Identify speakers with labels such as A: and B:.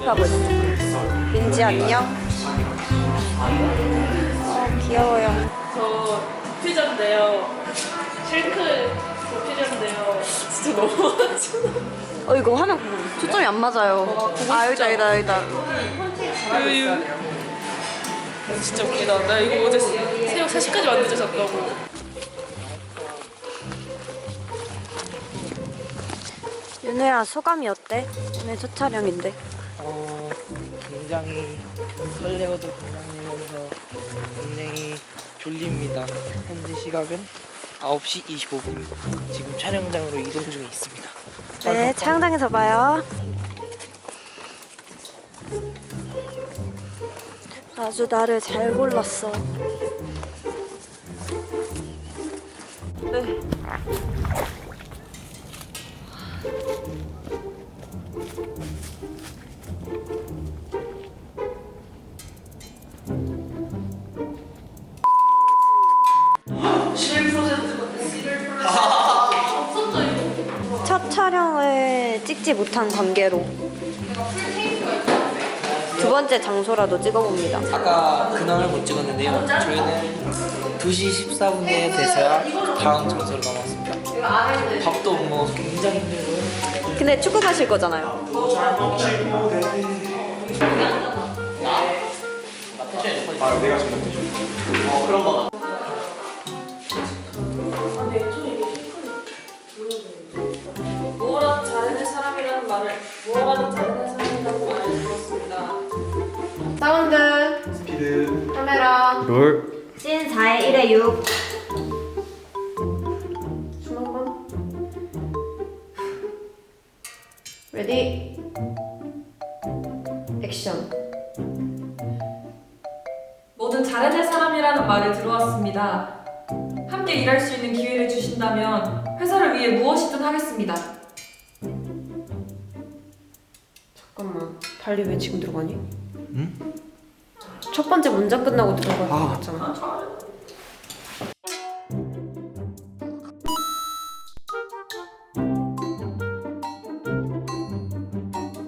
A: 연습하고 있어. 민지 안녕. 귀여워요.
B: 저 퓨전인데요. 실크 퓨전인데요. 진짜 너무 많잖아.
A: 이거 화면 초점이 안 맞아요. 아 여기다.
B: 유유. 진짜 웃기다. 나 이거 어제 새벽 3시까지 왔는데 잤다고.
A: 윤우야 소감이 어때? 오늘 첫 촬영인데.
C: 굉장히 설레어도 긴장되면서 굉장히 졸립니다. 현재 시각은 9시 25분. 지금 촬영장으로 이동 중에 있습니다.
A: 네, 촬영장에서 봐요. 아주 나를 잘 골랐어. 네. 첫 촬영을 찍지 못한 관계로 두 번째 장소라도 찍어봅니다.
C: 아까 근황을 못 찍었는데요. 저희는 2시 14분에 돼서야 다음 장소로 넘어왔습니다. 밥도 못 먹어서 굉장히 힘들고요.
A: 근데 축구 가실 거잖아요.
B: 뭐라도 잘해낼 사람이라는 말을 들었습니다.
D: 사운드
E: 스피드
D: 카메라
E: 롤
A: 씬 4의 1의 6.
D: 춤 한번 레디 액션.
F: 뭐든 잘해낼 사람이라는 말을 들어왔습니다. 함께 일할 수 있는 기회를 주신다면 회사를 위해 무엇이든 하겠습니다.
D: 잠깐만 달리 왜 지금 들어가니? 응? 첫 번째 문장 끝나고 들어간 거 같잖아.